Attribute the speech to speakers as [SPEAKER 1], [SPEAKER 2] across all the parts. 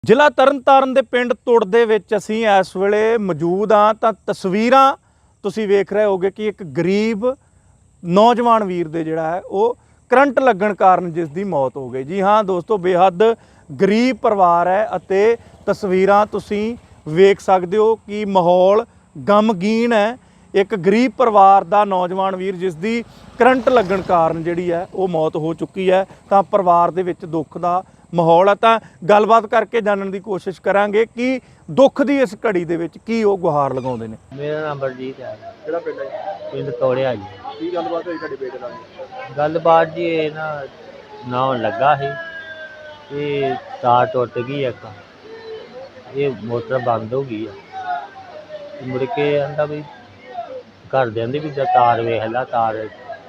[SPEAKER 1] ਜ਼ਿਲ੍ਹਾ ਤਰਨਤਾਰਨ ਦੇ ਪਿੰਡ ਤੁੜ ਦੇ ਵਿੱਚ ਅਸੀਂ ਇਸ ਵੇਲੇ ਮੌਜੂਦ ਹਾਂ ਤਾਂ ਤਸਵੀਰਾਂ ਤੁਸੀਂ ਵੇਖ ਰਹੇ ਹੋਗੇ ਕਿ ਇੱਕ ਗਰੀਬ ਨੌਜਵਾਨ ਵੀਰ ਦੇ ਜਿਹੜਾ ਹੈ ਉਹ ਕਰੰਟ ਲੱਗਣ ਕਾਰਨ ਜਿਸ ਦੀ ਮੌਤ ਹੋ ਗਈ। ਜੀ ਹਾਂ ਦੋਸਤੋ, ਬੇਹੱਦ ਗਰੀਬ ਪਰਿਵਾਰ ਹੈ ਅਤੇ ਤਸਵੀਰਾਂ ਤੁਸੀਂ ਵੇਖ ਸਕਦੇ ਹੋ ਕਿ ਮਾਹੌਲ ਗਮਗੀਨ ਹੈ। ਇੱਕ ਗਰੀਬ ਪਰਿਵਾਰ ਦਾ ਨੌਜਵਾਨ ਵੀਰ ਜਿਸ ਦੀ ਕਰੰਟ ਲੱਗਣ ਕਾਰਨ ਜਿਹੜੀ ਹੈ ਉਹ ਮੌਤ ਹੋ ਚੁੱਕੀ ਹੈ, ਤਾਂ ਪਰਿਵਾਰ ਦੇ ਵਿੱਚ ਦੁੱਖ ਦਾ ਮਾਹੌਲ ਹੈ। ਤਾਂ ਗੱਲਬਾਤ ਕਰਕੇ ਜਾਣਨ ਦੀ ਕੋਸ਼ਿਸ਼ ਕਰਾਂਗੇ ਕਿ ਦੁੱਖ ਦੀ ਇਸ ਘੜੀ ਦੇ ਵਿੱਚ ਕੀ ਉਹ ਗੁਹਾਰ ਲਗਾਉਂਦੇ ਨੇ।
[SPEAKER 2] ਮੇਰਾ ਨਾਮ ਬਲਜੀਤ ਹੈ।
[SPEAKER 1] ਕਿਹੜਾ ਪਿੰਡ ਹੈ?
[SPEAKER 2] ਪਿੰਡ ਤੋੜਿਆ ਜੀ।
[SPEAKER 1] ਕੀ ਗੱਲਬਾਤ ਹੋਈ ਤੁਹਾਡੇ ਬੇਟੇ ਨਾਲ?
[SPEAKER 2] ਗੱਲਬਾਤ ਜੀ ਇਹ ਨਾ ਲੱਗਾ ਸੀ, ਇਹ ਤਾਰ ਟੁੱਟ ਗਈ ਇੱਕ, ਇਹ ਮੋਟਰ ਬੰਦ ਹੋ ਗਈ ਆ। ਮੁੜ ਕੇ ਆਂਦਾ ਵੀ ਘਰਦਿਆਂ ਦੀ ਵੀ ਤਾਰ ਵੇਖ ਲਾ, ਤਾਰ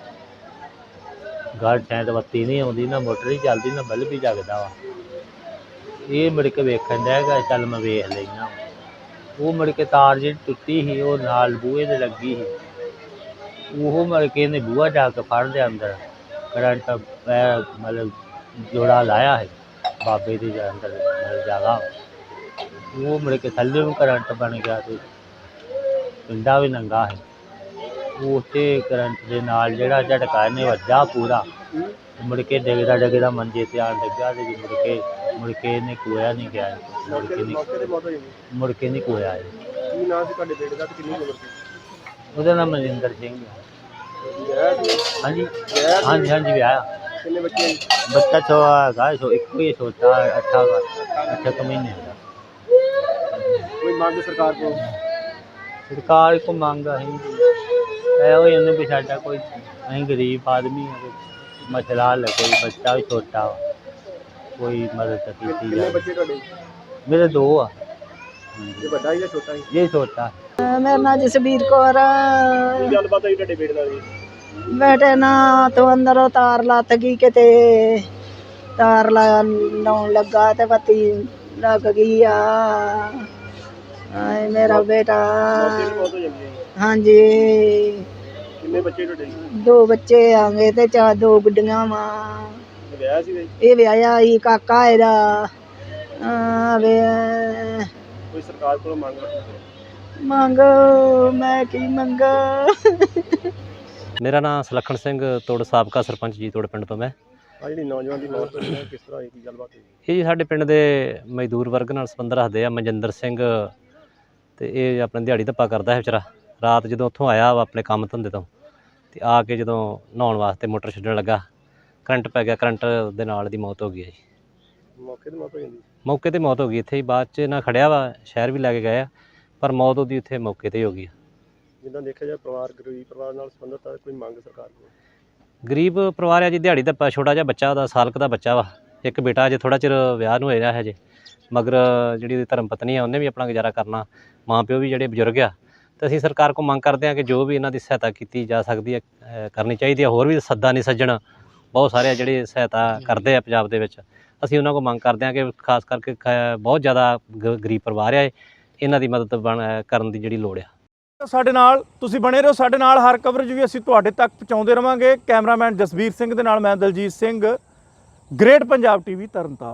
[SPEAKER 2] ਘਰ ਠੈਂਟ ਬੱਤੀ ਨਹੀਂ ਆਉਂਦੀ, ਨਾ ਮੋਟਰ ਹੀ ਚੱਲਦੀ, ਨਾ ਬਲਬ ਵੀ ਜਗਦਾ ਵਾ। ਇਹ ਮੁੜ ਕੇ ਵੇਖਣ ਡਿਆ ਗਾ, ਚੱਲ ਮੈਂ ਵੇਖ ਲੈਣਾ। ਉਹ ਮੁੜ ਕੇ ਤਾਰ ਜਿਹੜੀ ਟੁੱਟੀ ਸੀ ਉਹ ਨਾਲ ਬੂਹੇ ਦੇ ਲੱਗੀ ਸੀ, ਉਹ ਮੁੜ ਕੇ ਇਹਨੇ ਬੂਹਾ ਜਾ ਕੇ ਫੜ ਲਿਆ ਅੰਦਰ। ਕਰੰਟ ਮਤਲਬ ਜੋੜਾ ਲਾਇਆ ਹੈ ਬਾਬੇ ਦੇ ਅੰਦਰ ਜਗ੍ਹਾ, ਉਹ ਮੁੜ ਕੇ ਥੱਲੇ ਨੂੰ ਕਰੰਟ ਬਣ ਗਿਆ ਤੇ ਪਿੰਡਾ ਵੀ ਨੰਗਾ ਹੈ। ਉੱਥੇ ਕਰੰਟ ਦੇ ਨਾਲ ਜਿਹੜਾ ਝਟਕਾ ਇਹਨੇ ਵੱਜਾ ਪੂਰਾ, ਮੁੜ ਕੇ ਡਿੱਗਦਾ ਮੰਜੇ ਤੇ ਆਣ ਡਿੱਗਾ ਤੇ ਮੁੜ ਕੇ ਇਹਨੇ ਕੋਇਆ ਨਹੀਂ ਗਿਆ। ਮੁੜ ਕੇ ਨਹੀਂ ਕੋਇਆ।
[SPEAKER 1] ਕੀ ਨਾਮ ਸੀ ਤੁਹਾਡੇ ਬੇਟੇ ਦਾ ਤੇ ਕਿੰਨੀ ਉਮਰ ਸੀ?
[SPEAKER 2] ਉਹਦਾ ਨਾਮ ਮਨਿੰਦਰ ਸਿੰਘ ਹੈ। ਹਾਂਜੀ ਹਾਂਜੀ ਵਿਆਹ।
[SPEAKER 1] ਕਿੰਨੇ ਬੱਚੇ?
[SPEAKER 2] ਬੱਚਾ ਹੈਗਾ ਇੱਕੋ ਹੀ ਛੋਟਾ, 8 ਮਹੀਨੇ ਦਾ।
[SPEAKER 1] ਕੋਈ ਮੰਗ ਸਰਕਾਰ ਕੋਲ?
[SPEAKER 2] ਸਰਕਾਰ ਕੋ ਮੰਗ ਅਸੀਂ ਇਹੋ ਇਹਨੂੰ ਵੀ ਸਾਡਾ ਕੋਈ, ਅਸੀਂ ਗਰੀਬ ਆਦਮੀ ਹਾਂ, ਮਸਲਾ ਹੱਲ, ਕੋਈ ਬੱਚਾ ਵੀ ਛੋਟਾ, ਕੋਈ ਮਦਦ ਕੀਤੀ ਜਾਵੇ।
[SPEAKER 1] ਬੱਚੇ ਤੁਹਾਡੇ?
[SPEAKER 2] ਮੇਰੇ 2 ਆ।
[SPEAKER 1] ਇਹ ਵੱਡਾ ਜਾਂ ਛੋਟਾ?
[SPEAKER 2] ਇਹ ਛੋਟਾ।
[SPEAKER 3] ਮੇਰਾ ਨਾਂ ਜਸਬੀਰ ਕੌਰ।
[SPEAKER 1] ਕੀ ਗੱਲਬਾਤ ਹੋਈ ਤੁਹਾਡੇ ਬੇਟੇ ਨਾਲ?
[SPEAKER 3] ਬੇਟੇ ਨਾ ਤੋਂ ਅੰਦਰੋਂ ਤਾਰ ਲੱਤ ਗਈ, ਕਿਤੇ ਤਾਰ ਲਾਉਣ ਲੱਗਾ ਤੇ ਬੱਤੀ ਲੱਗ ਗਈ ਆ। ਮੇਰਾ ਬੇਟਾ। ਹਾਂਜੀ।
[SPEAKER 1] ਕਿੰਨੇ ਬੱਚੇ ਤੁਹਾਡੇ?
[SPEAKER 3] 2 ਬੱਚੇ ਆਂਗੇ ਤੇ 2 ਗੁੱਡੀਆਂ ਵਾ।
[SPEAKER 1] ਵਿਆਹ ਸੀ?
[SPEAKER 3] ਇਹ ਵਿਆਹਿਆ ਹੀ ਕਾਕਾ ਇਹਦਾ।
[SPEAKER 1] ਕੋਈ ਸਰਕਾਰ ਕੋਲ
[SPEAKER 3] ਮੰਗ ਮੈਂ ਕੀ ਮੰਗਾ।
[SPEAKER 4] ਮੇਰਾ ਨਾਮ ਸੁਲੱਖਣ ਸਿੰਘ ਤੋੜ, ਸਾਬਕਾ ਸਰਪੰਚ ਜੀ ਤੋੜ ਪਿੰਡ ਤੋਂ। ਮੈਂ
[SPEAKER 1] ਜਿਹੜੀ ਨੌਜਵਾਨ ਦੀ ਮੌਤ ਹੋਈ ਹੈ ਕਿਸ ਤਰ੍ਹਾਂ ਹੋਈ, ਕੀ ਗੱਲਬਾਤ ਹੋਈ?
[SPEAKER 4] ਇਹ ਜੀ ਸਾਡੇ ਪਿੰਡ ਦੇ ਮਜ਼ਦੂਰ ਵਰਗ ਨਾਲ ਸੰਬੰਧ ਰੱਖਦੇ ਆ। ਮਨਜਿੰਦਰ ਸਿੰਘ ਤੇ ਇਹ ਆਪਣੇ ਦਿਹਾੜੀ ਧੱਪਾ ਕਰਦਾ ਹੈ ਵਿਚਾਰਾ। ਰਾਤ ਜਦੋਂ ਉੱਥੋਂ ਆਇਆ ਵਾ ਆਪਣੇ ਕੰਮ ਧੰਦੇ ਤੋਂ, ਤੇ ਆ ਕੇ ਜਦੋਂ ਨਹਾਉਣ ਵਾਸਤੇ ਮੋਟਰ ਛੱਡਣ ਲੱਗਾ, ਕਰੰਟ ਪੈ ਗਿਆ। ਕਰੰਟ ਦੇ ਨਾਲ ਦੀ ਮੌਤ ਹੋ ਗਈ ਹੈ ਜੀ।
[SPEAKER 1] ਮੌਕੇ ਤੇ ਮੌਤ ਹੋ ਜਾਂਦੀ?
[SPEAKER 4] ਮੌਕੇ ਤੇ ਮੌਤ ਹੋ ਗਈ। ਇੱਥੇ ਹੀ ਬਾਅਦ 'ਚ ਨਾ ਖੜਿਆ ਵਾ, ਸ਼ਹਿਰ ਵੀ ਲੈ ਕੇ ਗਏ ਆ, ਪਰ ਮੌਤ ਉਹਦੀ ਉੱਥੇ ਮੌਕੇ 'ਤੇ ਹੀ ਹੋ ਗਈ।
[SPEAKER 1] ਜਿੱਦਾਂ ਦੇਖਿਆ ਜਾਏ ਪਰਿਵਾਰ ਗਰੀਬ ਪਰਿਵਾਰ ਨਾਲ ਸੰਬੰਧਿਤ ਹੈ, ਕੋਈ ਮੰਗ ਸਰਕਾਰ ਕੋਲ?
[SPEAKER 4] ਗਰੀਬ ਪਰਿਵਾਰ ਆ ਜੀ, ਦਿਹਾੜੀ ਧੱਪਾ, ਛੋਟਾ ਜਿਹਾ ਬੱਚਾ ਉਹਦਾ, ਸਾਲ ਕੁ ਦਾ ਬੱਚਾ ਵਾ। ਇੱਕ ਬੇਟਾ ਅਜੇ ਥੋੜ੍ਹਾ ਚਿਰ ਵਿਆਹ ਨੂੰ ਹੋਇਆ ਹਜੇ, ਮਗਰ ਜਿਹੜੀ ਉਹਦੀ ਧਰਮ ਪਤਨੀ ਆ ਉਹਨੇ ਵੀ ਆਪਣਾ ਗੁਜ਼ਾਰਾ ਕਰਨਾ, ਮਾਂ ਪਿਓ ਵੀ ਜਿਹੜੇ ਬਜ਼ੁਰਗ ਆ। ਤੇ ਅਸੀਂ ਸਰਕਾਰ ਕੋਲ ਮੰਗ ਕਰਦੇ ਹਾਂ ਕਿ ਜੋ ਵੀ ਇਹਨਾਂ ਦੀ ਸਹਾਇਤਾ ਕੀਤੀ ਜਾ ਸਕਦੀ ਹੈ ਕਰਨੀ ਚਾਹੀਦੀ ਹੈ। ਹੋਰ ਵੀ ਸੱਦਾ ਨਹੀਂ ਸੱਜਣ ਬਹੁਤ ਸਾਰੇ ਆ ਜਿਹੜੇ ਸਹਾਇਤਾ ਕਰਦੇ ਆ ਪੰਜਾਬ ਦੇ ਵਿੱਚ। ਅਸੀਂ ਉਹਨਾਂ ਕੋਲ ਮੰਗ ਕਰਦੇ ਹਾਂ ਕਿ ਖਾਸ ਕਰਕੇ ਬਹੁਤ ਜ਼ਿਆਦਾ ਗਰੀਬ ਪਰਿਵਾਰ ਆ, ਇਹਨਾਂ ਦੀ ਮਦਦ ਕਰਨ ਦੀ ਜਿਹੜੀ ਲੋੜ ਆ।
[SPEAKER 1] ਸਾਡੇ ਨਾਲ ਤੁਸੀਂ ਬਣੇ ਰਹੋ, ਸਾਡੇ ਨਾਲ ਹਰ ਕਵਰੇਜ ਵੀ ਅਸੀਂ ਤੁਹਾਡੇ ਤੱਕ ਪਹੁੰਚਾਉਂਦੇ ਰਵਾਂਗੇ। ਕੈਮਰਾਮੈਨ ਜਸਬੀਰ ਸਿੰਘ ਦੇ ਨਾਲ ਮੈਂ ਦਲਜੀਤ ਸਿੰਘ, ਗ੍ਰੇਟ ਪੰਜਾਬ TV ਤਰਨਤਾਰਨ।